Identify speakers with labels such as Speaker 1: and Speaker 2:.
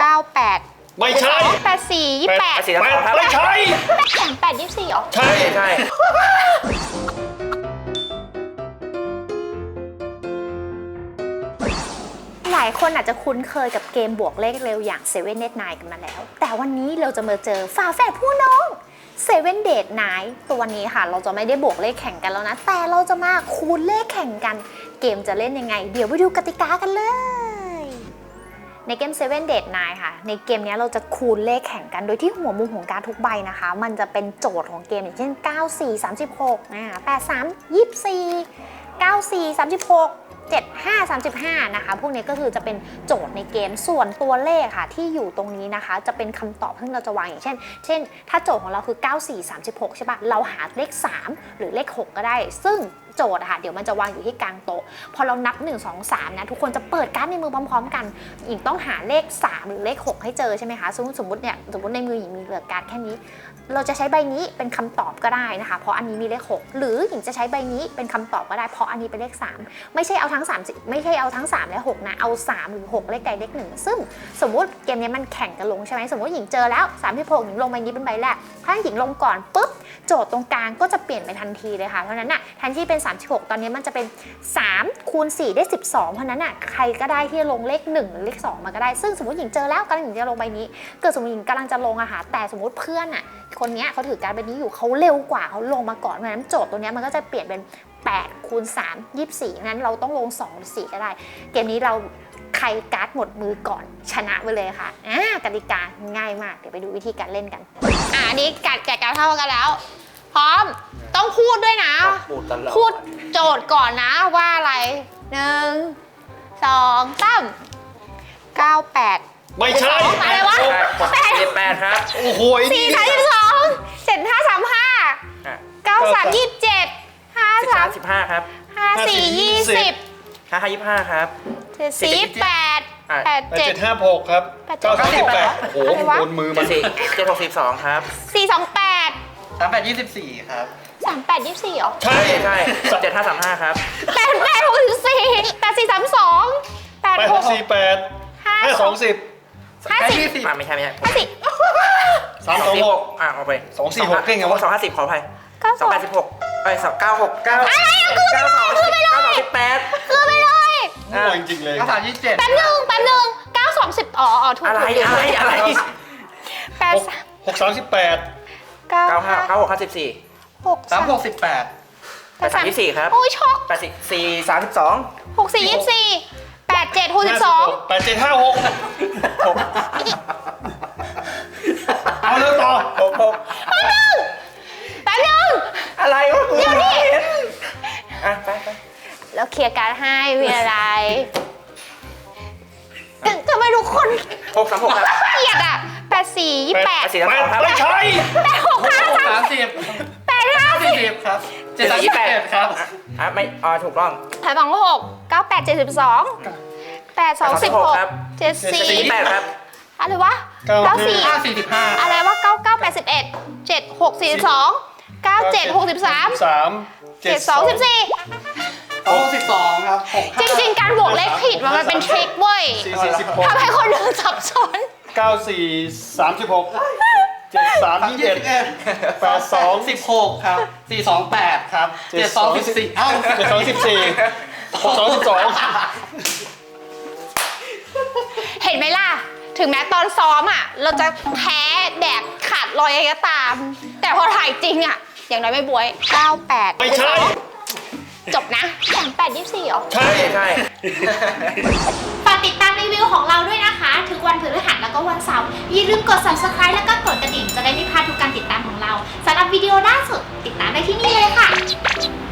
Speaker 1: 98
Speaker 2: ไม่ใช่
Speaker 1: 84 28
Speaker 2: ไม่ใช่
Speaker 1: 38 24เหรอ
Speaker 2: ใช่
Speaker 3: ใช่
Speaker 1: หลายคนอาจจะคุ้นเคยกับเกมบวกเลขเร็วอย่าง Seven Dead Nine กันมาแล้วแต่วันนี้เราจะมาเจอฝาแฝดผู้น้อง Seven Dead Nine ตัวนี้ค่ะเราจะไม่ได้บวกเลขแข่งกันแล้วนะแต่เราจะมาคูณเลขแข่งกันเกมจะเล่นยังไงเดี๋ยวไปดูกติกากันเลยในเกม Seven Dead Nine ค่ะในเกมนี้เราจะคูณเลขแข่งกันโดยที่หัวมุมของการทุกใบนะคะมันจะเป็นโจทย์ของเกมอย่างเช่น94 36 83 24 94 36 75 35นะคะพวกนี้ก็คือจะเป็นโจทย์ในเกมส่วนตัวเลขค่ะที่อยู่ตรงนี้นะคะจะเป็นคำตอบที่เราจะวางอย่างเช่นถ้าโจทย์ของเราคือ94 36ใช่ปะเราหาเลข3หรือเลข6ก็ได้ซึ่งโจทย์อะค่ะเดี๋ยวมันจะวางอยู่ที่กลางโต๊ะพอเรานับ1 2 3นะทุกคนจะเปิดการ์ดในมือพร้อมๆกันหญิงต้องหาเลข3หรือเลข6ให้เจอใช่ไหมคะสมมติในมือหญิงมีเหลือการ์ดแค่นี้เราจะใช้ใบนี้เป็นคำตอบก็ได้นะคะเพราะอันนี้มีเลข6หรือหญิงจะใช้ใบนี้เป็นคำตอบก็ได้เพราะอันนี้เป็นเลข3ไม่ใช่เอาทั้ง3ไม่ใช่เอาทั้ง3และ6นะเอา3หรือ6เลขใดเลข1ซึ่งสมมุติเกมนี้มันแข่งกันลงใช่ไหมสมมติหญิงเจอแล้ว36หญิงลงใบนี้เป็นใบแรกถ้าหญิงลงก่อนปุ๊บโจทย์ตรงกลางก็จะเปลี่ยนไปทันทีเลยค่ะเพราะนั้นน่ะแทนที่เป็น36ตอนนี้มันจะเป็น3คูณ4ได้12เพราะนั้นน่ะใครก็ได้ที่ลงเลข1หรือเลข2มาก็ได้ซึ่งสมมติหญิงเจอแล้วกำลังหญิงจะลงใบนี้เกิดสมมติหญิงกำลังจะลงอะค่ะแต่สมมติเพื่อนอะคนนี้เขาถือการใบนี้อยู่เขาเร็วกว่าเขาลงมาก่อนเพราะฉะนั้นโจทย์ตัวนี้มันก็จะเปลี่ยนเป็น8คูณ3 24นั้นเราต้องลง2หรือ4ก็ได้เกมนี้เราใครการ์ดหมดมือก่อนชนะไปเลยค่ะกติกาง่ายมากเดี๋ยวไปดูวิธีการเล่นกันอันนี้แกะการเท่ากันแล้วพร้อมต้องพูดด้วยนะพูดโจทย์ก่อนนะว่าอะไร1 2 3 98
Speaker 2: ไม่ใช่
Speaker 1: อะไรวะ
Speaker 3: 8ครับ
Speaker 2: โอ้โห
Speaker 1: 4 32 7 5 35 9 3 27 5 3
Speaker 3: 15ครับ
Speaker 1: 5 4 20
Speaker 3: 5 25ครับ
Speaker 1: 7 8 8 7
Speaker 2: 756ครับ938โอ้โหโดนมือมัน
Speaker 3: 762ครับ
Speaker 1: 4 2 8
Speaker 4: 38 24ครับ
Speaker 1: 3 8 24เหรอ
Speaker 3: ใช่7535ครับ
Speaker 1: 8 8 64 8 4 32 8 6
Speaker 2: 848 520
Speaker 1: 50
Speaker 3: ไม่ใช่
Speaker 2: 326
Speaker 3: เอาไป
Speaker 2: 246เก่งไงวะ
Speaker 3: 250ขออภัย286ไป296 9
Speaker 1: อะไรอะคือไปเลยคือไปเลย
Speaker 2: โง่จริงๆเลย
Speaker 4: 93 27
Speaker 1: แป๊บนึง9 20อ๋อถูก
Speaker 3: อะไร
Speaker 1: 8
Speaker 2: 638
Speaker 1: 9
Speaker 3: 95 96 54
Speaker 1: 6 3
Speaker 4: 36 18
Speaker 3: 83 24ครับ
Speaker 1: โอ้ยช็อก
Speaker 3: 84 32
Speaker 1: 6 4 24 8 7 62
Speaker 2: 8756เอาเร็วต่อ
Speaker 1: แป๊บนึง
Speaker 3: อะไรวะ
Speaker 1: เดี๋ยวนี้
Speaker 3: ไป
Speaker 1: แล้วเคลียร์การให้มีอะไรทำไมทุกคน
Speaker 3: 636ครับ
Speaker 1: เกลียดอ่ะ84 28
Speaker 3: ครับ
Speaker 2: ไม่ใช่
Speaker 1: 8 6 5
Speaker 4: 30
Speaker 1: 8 5
Speaker 4: 40ครับ728ครับ
Speaker 3: ไม่ถูกต้อง
Speaker 1: 8 2 6 9 8 72 8 2 16 74
Speaker 3: 48ครับ
Speaker 1: อะไรวะ94
Speaker 4: 45
Speaker 1: อะไรวะ99 81 76 42 97 63 72 14
Speaker 4: 62ครับ
Speaker 1: จริงๆการบวกเลขผิดมันเป็นทริคเว้ยทำให้คนอื่นสับสน
Speaker 2: 94 36 73 21 82
Speaker 4: 16ครับ428ครับ72 14
Speaker 2: 72 14 62
Speaker 1: เห็นไหมล่ะถึงแม้ตอนซ้อมอ่ะเราจะแพ้แดกขาดลอยก็ตามแต่พอถ่ายจริงอ่ะอย่างน้อยไม่บวย98
Speaker 2: ไม่ใช่
Speaker 1: จบนะ38 24เหรอ
Speaker 2: ใช่
Speaker 1: ฝากติดตามรีวิวของเราด้วยนะคะทุกวันพฤหัสแล้วก็วันเสาร์อย่าลืมกด subscribe แล้วก็กดกระดิ่งจะได้ไม่พลาดทุกการติดตามของเราสำหรับวิดีโอล่าสุดติดตามได้ที่นี่เลยค่ะ